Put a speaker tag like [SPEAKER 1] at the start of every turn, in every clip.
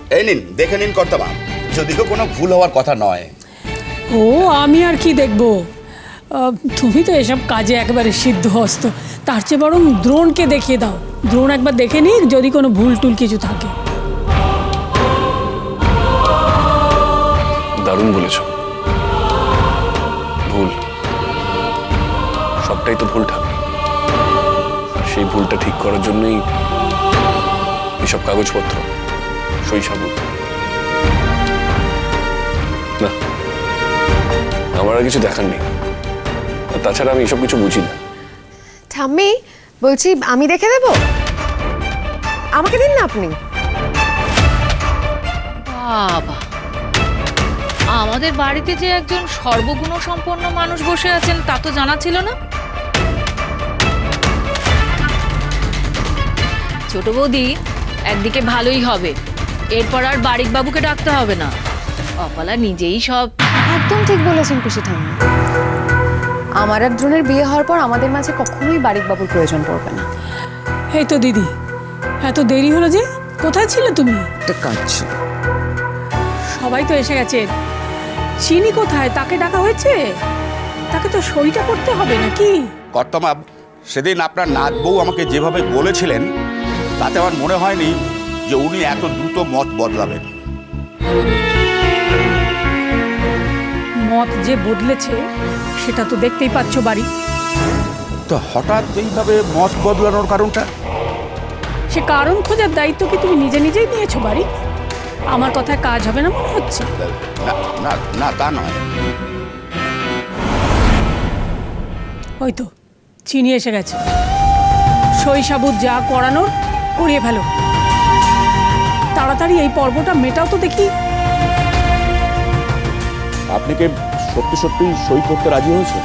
[SPEAKER 1] এই নিন, দেখে নিন কর্তাবা, যদিও কোনো ভুল হওয়ার কথা নয়।
[SPEAKER 2] ও আমি আর কি দেখব, তুমি তো এসব কাজে একেবারে সিদ্ধহস্ত। তার চেয়ে বরং দ্রোণকে দেখিয়ে দাও, দ্রোণ একবার দেখে নিক যদি কোনো ভুল টুল কিছু থাকে।
[SPEAKER 3] দারুণ বলেছ। ভুল, সবটাই তো ভুল ঠাকুর। সেই ভুলটা ঠিক করার জন্যই এসব কাগজপত্র, সই সাবুত। না, আমার আর কিছু দেখার নেই। তাছাড়া আমি এসব কিছু বুঝি না।
[SPEAKER 4] ঠাম্মি বলছি, আমি দেখে দেব, আমাকে দিন না আপনি।
[SPEAKER 5] বাবা, আমাদের বাড়িতে যে একজন সর্বগুণ সম্পন্ন মানুষ বসে আছেন তা তো জানা ছিল না। ছোট বৌদি, একদিকে ভালোই হবে, এরপর আর বাড়ির বাবুকে ডাকতে হবে না, অপালা নিজেই সব।
[SPEAKER 4] একদম ঠিক বলেছেন পিসি ঠাম্মি। আমার আর দ্রোণের বিয়ে হওয়ার পর আমাদের মাঝে কখনোই বাড়ির বাবুর প্রয়োজন পড়বে না।
[SPEAKER 2] এই তো দিদি, এত দেরি হলো যে, কোথায় ছিলে তুমি?
[SPEAKER 6] একটা কাজ ছিল।
[SPEAKER 2] সবাই তো এসে গেছে, চিনি কোথায়? তাকে ডাকা হয়েছে? তাকে তো সইটা করতে হবে নাকি?
[SPEAKER 1] কর্তামা, সেদিন আপনার নাত বউ আমাকে যেভাবে বলেছিলেন, তাতে আমার মনে হয়নি যে উনি এত দ্রুত মত বদলাবেন।
[SPEAKER 2] মত যে বদলেছে সেটা তো দেখতেই পাচ্ছ বাড়ি।
[SPEAKER 1] তো হঠাৎ এইভাবে মত বদলানোর কারণটা?
[SPEAKER 2] সে কারণ খোঁজার দায়িত্ব কি তুমি নিজে নিজেই নিয়েছো বাড়ি? আমার কথায় কাজ হবে না মনে হচ্ছে?
[SPEAKER 1] না না না, তা নয়।
[SPEAKER 2] ওই তো চিনি এসে গেছে, সই সাবুত যা করানোর করিয়ে ফেলো। তাড়াতাড়ি এই পর্বটা মেটাও তো দেখি।
[SPEAKER 1] আপনি কি সত্যি সত্যি সই করতে রাজি হয়েছেন?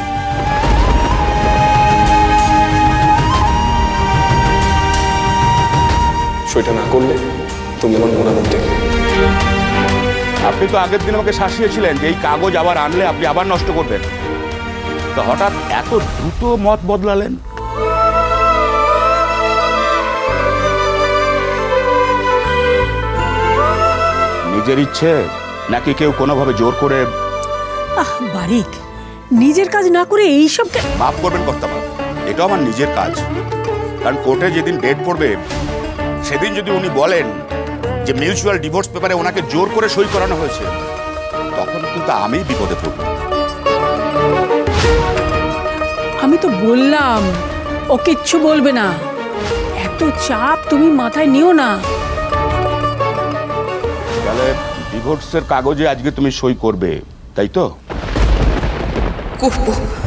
[SPEAKER 3] সইটা না করলে তুমি আমার মনের মধ্যে।
[SPEAKER 1] আপনি তো আগের দিন আমাকে শাসিয়েছিলেন যে এই কাগজ আবার আনলে আপনি আবার নষ্ট করবেন। তো হঠাৎ এত দ্রুত মত বদলালেন? নিজের ইচ্ছে নাকি কেউ কোনোভাবে জোর করে?
[SPEAKER 2] বারিক, নিজের কাজ না করে এইসবকে
[SPEAKER 1] মাফ করবেন কর্তাবা, এটা আমার নিজের কাজ। কারণ কোর্টে যেদিন ডেট পড়বে সেদিন যদি উনি বলেন যে মিউচুয়াল ডিভোর্স পেপারে ওনাকে জোর করে সই করানো হয়েছে, তখন কিন্তু আমি বিপদে পড়ব।
[SPEAKER 2] আমি তো বললাম ও কিচ্ছু বলবে না, এত চাপ তুমি মাথায় নিও না।
[SPEAKER 1] তাহলে ডিভোর্সের কাগজে আজকে তুমি সই করবে, তাই তো?
[SPEAKER 6] করবো।